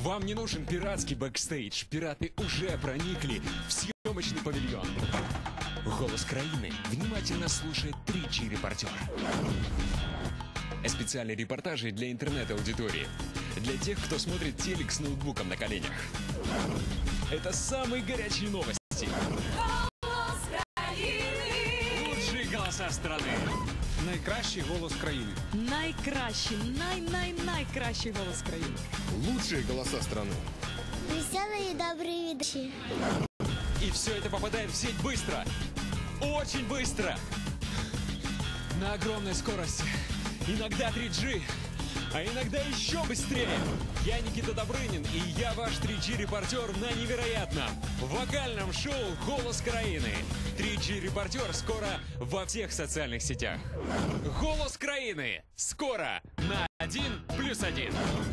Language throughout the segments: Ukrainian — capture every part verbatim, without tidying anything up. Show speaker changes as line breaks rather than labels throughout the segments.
Вам не нужен пиратский бэкстейдж. Пираты уже проникли в съемочный павильон. Голос краины внимательно слушает три джи репортер. Специальные репортажи для интернет-аудитории. Для тех, кто смотрит телек с ноутбуком на коленях. Это самые горячие новости.
Голос країни.
Лучшие голоса страны.
Найкращий голос країни.
Найкращий, най-най-найкращий голос країни.
Лучшие голоса страны.
Веселые и добрые ведущие.
И все это попадает в сеть быстро. Очень быстро. На огромной скорости. Иногда три джи, а иногда еще быстрее. Я Никита Добрынин, и я ваш три джи репортер на невероятном вокальном шоу «Голос краины». три джи репортер скоро во всех социальных сетях. «Голос краины» скоро на один плюс один.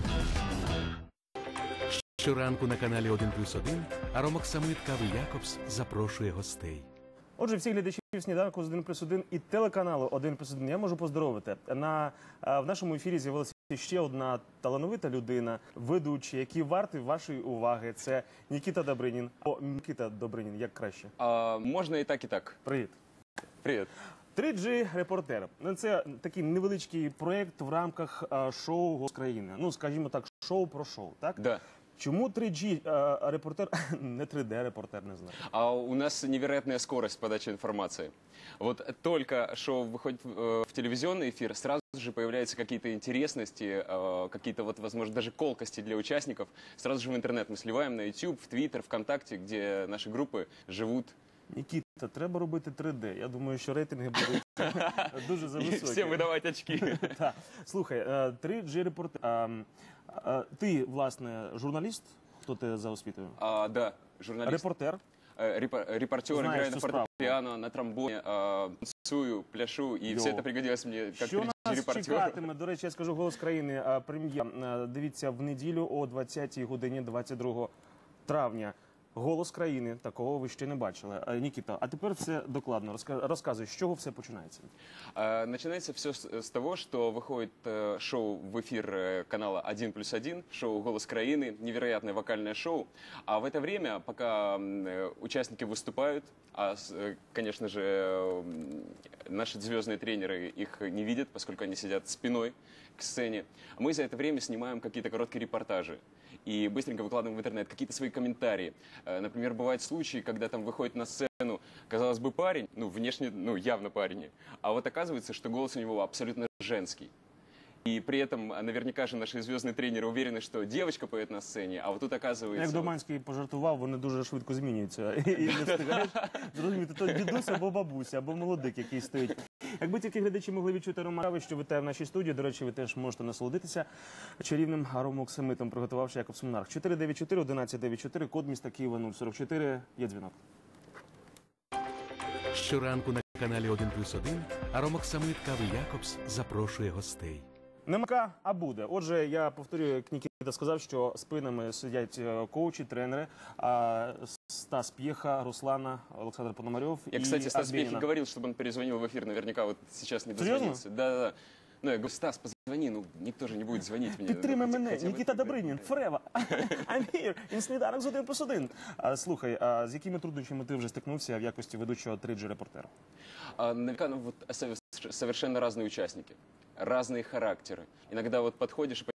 Щоранку на каналі один плюс один Аромок Самит Кави Якобс запрошує гостей.
Отже, всіх глядачів сніданку з один плюс один і телеканалу один плюс один я можу поздоровити. На, в нашому ефірі з'явилася ще одна талановита людина, ведучий, який вартий вашої уваги. Це Нікіта Добринін. О, Нікіта Добринін, як краще?
А, можна і так, і так.
Привіт.
Привіт.
три джи репортер. Це такий невеличкий проєкт в рамках а, шоу «Голос країни». Ну, скажімо так, шоу про шоу, так?
Да.
Чему три джи а, репортер, не три дэ репортер, не знаю?
А у нас невероятная скорость подачи информации. Вот только шоу выходит в, в телевизионный эфир, сразу же появляются какие-то интересности, э, какие-то, вот, возможно, даже колкости для участников. Сразу же в интернет мы сливаем на YouTube, в Twitter, ВКонтакте, где наши группы живут.
Нікіта, треба робити три дэ. Я думаю, що рейтинги будуть дуже зависокі.
Всем выдавать очки.
Так. Слухай, три джи репортер. Ти, власне, журналіст? Хто ти за освітою?
А, да, журналист.
Репортер.
Репор репортер,
Знаешь
играю на
всю
фортепиано, на тромбоне, а, танцую, пляшу, и
Йо.
все это пригодилось мне как
Що
три джи
нас
репортер.
чекатиме? До речі, я скажу «Голос країни» а, прем'єр. А, Дивіться, в неділю о двадцятій годині двадцять другого травня. «Голос країни». Такого ви ще не бачили. А, Нікіта, а тепер все докладно. Розка- Розказуй, з чого все починається?
А, Начинается все с, с того, что выходит э, шоу в эфир э, канала один плюс один, шоу «Голос краины», невероятное вокальное шоу. А в это время, пока э, участники выступают, а, с- э, конечно же, э, наши звездные тренеры их не видят, поскольку они сидят спиной к сцене, мы за это время снимаем какие-то короткие репортажи и быстренько выкладываем в интернет какие-то свои комментарии. Э, Например, бывают случаи, когда там выходит на сцену, казалось бы, парень, ну, внешне, ну, явно парень, а вот оказывается, что голос у него абсолютно женский. И при этом наверняка же наши звездные тренеры уверены, что девочка поет на сцене, а вот тут оказывается...
Як Доманський пожартував, вони дуже швидко змінюються. І не встигаєш зрозуміти, то дідусь або бабуся, або молодик, який стоїть. Якби тільки глядачі могли відчути аромат, що вітає в нашій студії, до речі, ви теж можете насолодитися чарівним аромоксамитом, приготувавши Якобс Монарх. чотири дев'ять чотири одинадцять дев'ять чотири, код міста Києва нуль сорок чотири, є дзвінок.
Щоранку на каналі один плюс один Аромок Самит Кави Якобс запрошує гостей.
Нема, а буде. Отже, я повторюю, як Нікіта сказав, що спинами сидять е, коучі, тренери, а, Стас П'єха, Руслана, Олександр Пономарьов
Я,
і
кстати, Стас Пьехи
Арбенина.
говорил, чтобы он перезвонил в эфир, наверняка вот сейчас не
Серьезно?
дозвонился. Да-да-да. Ну, я говорю, Стас, позвони, ну, никто же не будет звонить мне.
Підтримай
Ну, хотя-
мене,
хотя бы
Нікіта
ты,
Добринін, Фрева, I'm here, in сніданок з один плюс один. А, слухай, а з якими труднощами ти вже стикнувся в якості ведучого три джи репортера?
А, наверняка, ну, вот, сове- совершенно разные участники, разные характеры. Иногда вот подходишь и